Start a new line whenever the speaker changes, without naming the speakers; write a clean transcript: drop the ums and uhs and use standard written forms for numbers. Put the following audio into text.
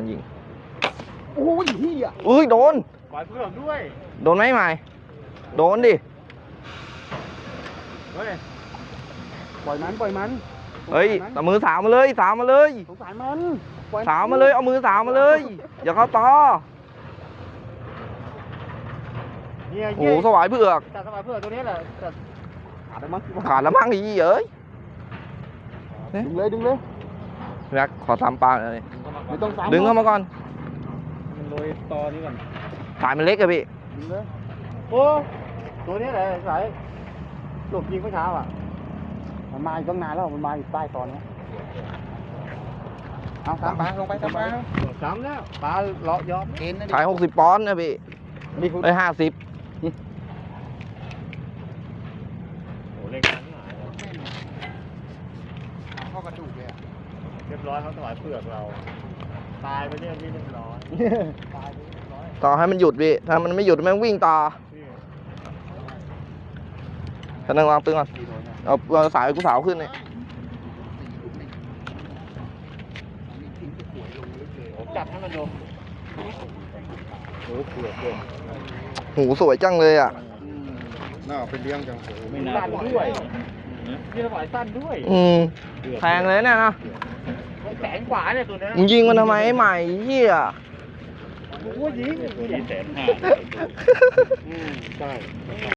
ยิง
โอ้ยเฮีย
อุ้ยโดน
ปล่อยเพื่อนด้วย
โดนไหมใหม่โดนดิ
เฮ้ยปล่อยมัน
เฮ้ยเอามือสาวมาเลยสาวมาเลย
สงสารมัน
สาวมาเลยเอามือสาวมาเลยอย่าเข้าต่อโอ้โหสวายเผือก
แต่สวายเผือกตัวนี้แหละแต่ขาดแล้วมั้ง
ขาดแล้วมั้งอีเอ้ย
ดึงเลย
แม็กขอซ้ำปลาเลย
ไม่ต้องซ้ำ
ดึงเข้ามาก่อน
มันโรยตอนี้ก่อน
สายมันเล็กอะพี่
ดึงเลยโอ้ตัวนี้แหละสายหลบยิงเมื่อเช้าอ่ะมันมาอยู่ตั้งนานแล้วมันมาอยู่ใต้ตอนนี้เอาซ้ำปลาลงไปซ้ำปลาซ้ำแล้วปลาเลาะยอมเกณฑ์นะ
ขาย60 ปอนด์นะพี่ได้50
โอ้เล็กจังหายเข้ากระดูกเลยเรียบร้อยเขาถวายเปลือกเราตายไปเนี่ยพี่เรียบร้อยตายไปเรียบร้อย
ต่อให้มันหยุดพี่ถ้ามันไม่หยุดมันวิ่งต่อฉันนั่งวางตึงก่อนเอาสายกูสาวขึ้นเนี่ย
ผมจับให้มันดูโอ้เปลือกเลย
หูสวยจังเลยอ่ะ
น่าไปเลี้ยงจังไม่น่าด้วยพี่ถวายสั้นด้วย
แพงเลยเนี่ยนะ
แสนกว่าเนี่ยตัวนี้
มึงยิงมันทำไมใหม่เหี้ย
โอ้ยิง450,000ใช่